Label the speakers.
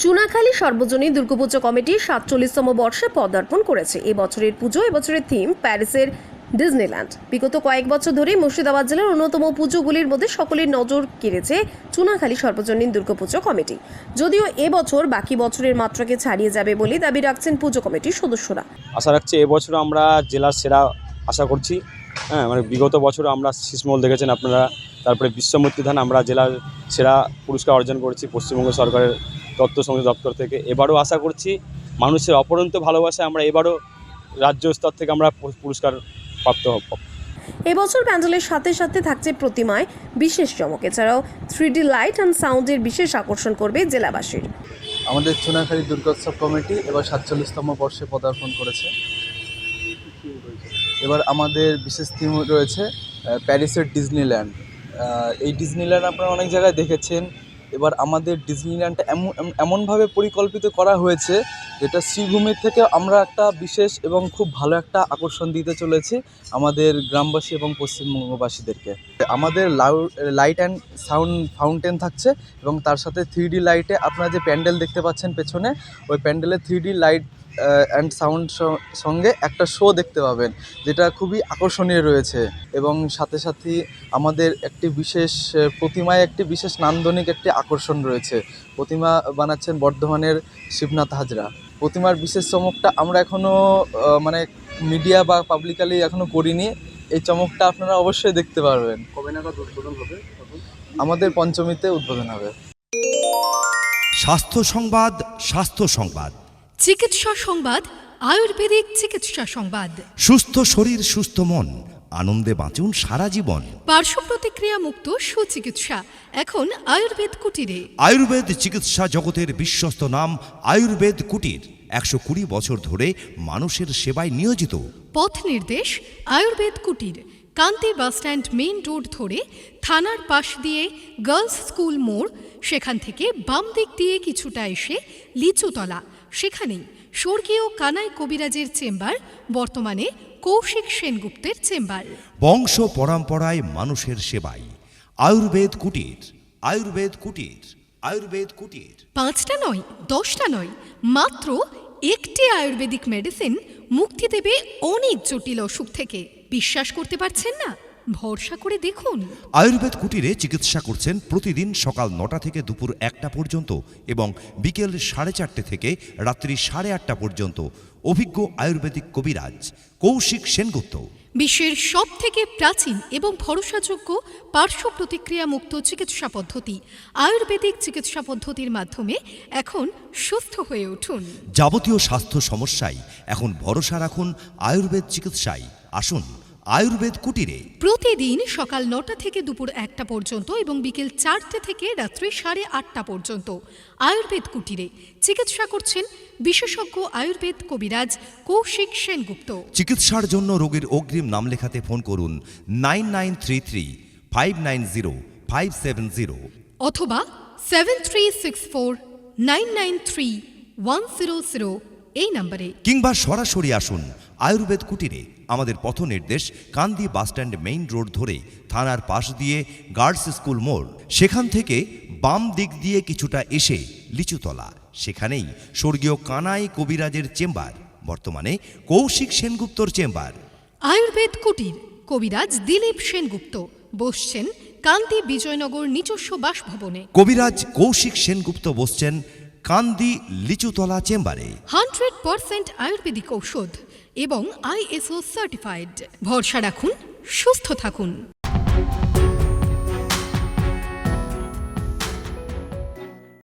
Speaker 1: চুনাখালী সর্বজনীন দুর্গাপুজো কমিটি ৪৭তম বর্ষে পদার্পণ করেছে। এবছরের পুজো এবছরের থিম প্যারিসের ডিজনিল্যান্ড। বিগত কয়েক বছর ধরে মুর্শিদাবাদ জেলার অন্যতম পুজোগুলির মধ্যে সকলের নজর কেড়েছে চুনাখালী সর্বজনীন দুর্গাপুজো কমিটি। যদিও এবছর বাকি বছরের মাত্রাকে ছাড়িয়ে যাবে বলে দাবি রাখছেন পুজো কমিটির সদস্যরা।
Speaker 2: আশা রাখছি এবছর আমরা জেলার সেরা আশা করছি। মানে বিগত বছর আমরা শীষমহল দেখেছেন আপনারা, তারপরে বিশ্বমূর্তি ধান আমরা জেলার সেরা পুরস্কার অর্জন করেছি পশ্চিমবঙ্গ সরকারের তথ্য সংযোগ দপ্তর থেকে। এবারও আশা করছি মানুষের অপরন্ত ভালোবাসায় আমরা এবারও রাজ্য স্তর থেকে আমরা পুরস্কার প্রাপ্ত হব।
Speaker 1: এবছর প্যান্ডেলের সাথে সাথে থাকছে প্রতিমায় বিশেষ চমক। এছাড়াও 3D লাইট অ্যান্ড সাউন্ডের বিশেষ আকর্ষণ করবে জেলাবাসীর।
Speaker 3: আমাদের চুনাখালী দুর্গোৎসব কমিটি এবার ৪৭তম বর্ষে পদার্পণ করেছে। এবার আমাদের বিশেষ থিম রয়েছে প্যারিসের ডিজনিল্যান্ড। এই ডিজনিল্যান্ড আপনারা অনেক জায়গায় দেখেছেন। এবার আমাদের ডিজনিল্যান্ডটা এমনভাবে পরিকল্পিত করা হয়েছে যেটা শ্রীভূমির থেকে আমরা একটা বিশেষ এবং খুব ভালো একটা আকর্ষণ দিতে চলেছি আমাদের গ্রামবাসী এবং পশ্চিমবঙ্গবাসীদেরকে। আমাদের লাইট অ্যান্ড সাউন্ড ফাউন্টেন থাকছে এবং তার সাথে 3D লাইটে আপনারা যে প্যান্ডেল দেখতে পাচ্ছেন পেছনে, ওই প্যান্ডেলে 3D লাইট অ্যান্ড সাউন্ড সঙ্গে একটা শো দেখতে পাবেন, যেটা খুবই আকর্ষণীয় রয়েছে। এবং সাথে সাথে আমাদের একটি বিশেষ প্রতিমায় একটি বিশেষ নান্দনিক একটি আকর্ষণ রয়েছে। প্রতিমা বানাচ্ছেন বর্ধমানের শিবনাথ হাজরা। প্রতিমার বিশেষ চমকটা আমরা এখনও মানে মিডিয়া বা পাবলিকালি এখনও করিনি। এই চমকটা আপনারা অবশ্যই দেখতে পারবেন। কবে নাগাদ উদ্বোধন হবে? আমাদের পঞ্চমীতে উদ্বোধন হবে।
Speaker 4: স্বাস্থ্য সংবাদ, স্বাস্থ্য সংবাদ,
Speaker 5: চিকিৎসা সংবাদ, আয়ুর্বেদিক চিকিৎসা সংবাদ।
Speaker 4: সুস্থ শরীর সুস্থ মন, আনন্দে বাঁচুন সারা জীবন।
Speaker 5: পার্শ্ব প্রতিক্রিয়া মুক্ত সুচিকিৎসা এখন আয়ুর্বেদ কুটিরে।
Speaker 4: আয়ুর্বেদ চিকিৎসা জগতের বিশ্বস্ত নাম আয়ুর্বেদ কুটির ১২০ বছর ধরে মানুষের সেবায় নিয়োজিত।
Speaker 5: পথ নির্দেশ আয়ুর্বেদ কুটির, কান্তি বাসস্ট্যান্ড মেইন রোড ধরে থানার পাশ দিয়ে গার্লস স্কুল মোড়, সেখান থেকে বাম দিক দিয়ে কিছুটা এসে লিচুতলা, সেখানেই স্বর্গীয় কানাই কবিরাজের চেম্বার, বর্তমানে কৌশিক সেনগুপ্তের চেম্বার।
Speaker 4: বংশ পরম্পরায় মানুষের সেবায় আয়ুর্বেদ কুটির, আয়ুর্বেদ কুটির, আয়ুর্বেদ কুটির। 5টা
Speaker 5: নয়, 10টা নয়, মাত্র একটি আয়ুর্বেদিক মেডিসিন মুক্তি দেবে অনেক জটিল অসুখ থেকে। বিশ্বাস করতে পারছেন না? ভরসা করে দেখুন।
Speaker 4: আয়ুর্বেদ কুটিরে চিকিৎসা করছেন প্রতিদিন সকাল 9টা থেকে দুপুর 1টা পর্যন্ত এবং বিকেল 4:30 থেকে রাত্রি 8:30 পর্যন্ত অভিজ্ঞ আয়ুর্বেদিক কবিরাজ কৌশিক সেনগুপ্ত।
Speaker 5: বিশ্বের সব থেকে প্রাচীন এবং ভরসাযোগ্য পার্শ্ব প্রতিক্রিয়া মুক্ত চিকিৎসা পদ্ধতি আয়ুর্বেদিক চিকিৎসা পদ্ধতির মাধ্যমে এখন সুস্থ হয়ে উঠুন।
Speaker 4: যাবতীয় স্বাস্থ্য সমস্যায় এখন ভরসা রাখুন আয়ুর্বেদ চিকিৎসায়। আসুন আয়ুর্বেদ কুটিরে।
Speaker 5: প্রতিদিন সকাল 9টা থেকে দুপুর 1টা পর্যন্ত এবং বিকেল 4টে থেকে রাত্রি 8:30 পর্যন্ত আয়ুর্বেদ কুটিরে চিকিৎসা করছেন বিশেষজ্ঞ আয়ুর্বেদ কবিরাজ কৌশিক সেনগুপ্ত।
Speaker 4: চিকিৎসার জন্য রোগীর অগ্রিম নাম লেখাতে ফোন করুন 99335990
Speaker 5: অথবা 7364993100 এই নম্বরে,
Speaker 4: কিংবা সরাসরি আসুন আয়ুর্বেদ কুটিরে। আমাদের পথ নির্দেশ কান্দি বাসস্ট্যান্ড মেইন রোড ধরে থানার পাশ দিয়ে গার্লস স্কুল মোড়, সেখান থেকে বাম দিক দিয়ে কিছুটা এসে লিচুতলা, সেখানেই স্বর্গীয় কানাই কবিরাজের চেম্বার, বর্তমানে কৌশিক সেনগুপ্তর চেম্বার।
Speaker 5: আয়ুর্বেদ কুটির, কবিরাজ দিলীপ সেনগুপ্ত বসছেন কান্দি বিজয়নগর নিজস্ব বাসভবনে।
Speaker 4: কবিরাজ কৌশিক সেনগুপ্ত বসছেন কান্দি লিচুতলা চেম্বারে।
Speaker 5: 100% আয়ুর্বেদিক ঔষধ এবং ISO সার্টিফাইড। ভরসা রাখুন, সুস্থ থাকুন।